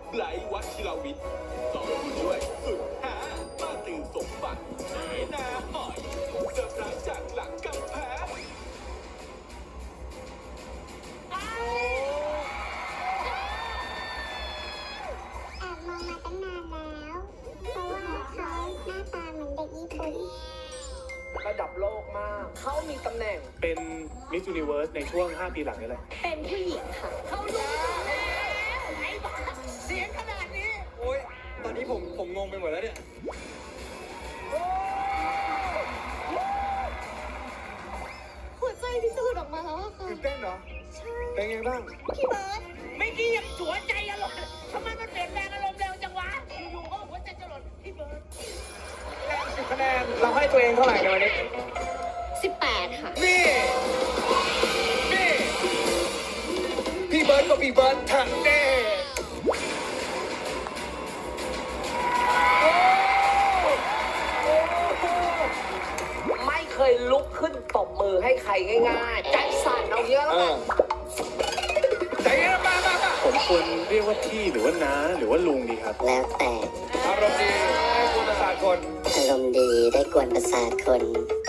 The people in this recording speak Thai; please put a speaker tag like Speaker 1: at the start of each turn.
Speaker 1: ไบรท์วัชิรวิทย์สองผู้ช่วยสุดหามาตื่นสมบัตินาหอยเซอร์ไพรส์จากหลังกำแพง
Speaker 2: แอบมองมาตั้งนานแล้ว เพราะว่าเขาหน้าตาเหมือนเด็กญี่ปุ่น
Speaker 3: ระดับโลกมาก เขามีตำแหน่ง
Speaker 4: เป็นมิส s u นิเวิร์สในช่วง 5 ปีหลังนี่แหละ
Speaker 2: เป็นผู้หญิงค่ะ
Speaker 5: เขารู้แล้วไอ้บ้าเสียงขนาดนี้
Speaker 6: โอ้ยตอนนี้ผมงงไปหมดแล้วเนี่ย
Speaker 2: หัวใจพิสูจน์ออกมาแล้วอะค่ะ
Speaker 6: ตื่นเต้นเหรอ เป็นไงบ้าง
Speaker 2: พี่เบิร์ด
Speaker 5: ไม่กี้ยังหัวใจอารมณ์ทำไมมันเปลี่ยนแปลงอารมณ์เร็วจังวะอยู่ๆก็หัวใจจะหล่นพี่เบิร์ด
Speaker 6: 10 คะแนน เราให้ตัวเองเท่าไหร่ในวันนี้
Speaker 2: 18 ค่ะ
Speaker 6: นี่ นี่ พี่เบิร์ดกับพี่เบิร์ดทันเด้
Speaker 3: ไม่เคยลุกขึ้นตบมือให้ใครง่ายๆ ใจสั่นเอาเยอะแล้วกัน
Speaker 6: ใจเย็นมา
Speaker 4: ผมควรเรียกว่าพี่หรือว่าน้าหรือว่าลุงดีครับ
Speaker 7: แล้วแต่
Speaker 6: อารมณ์ดีให้คุณประสาทคน
Speaker 7: อารมณ์ดีได้กวนประสาทคน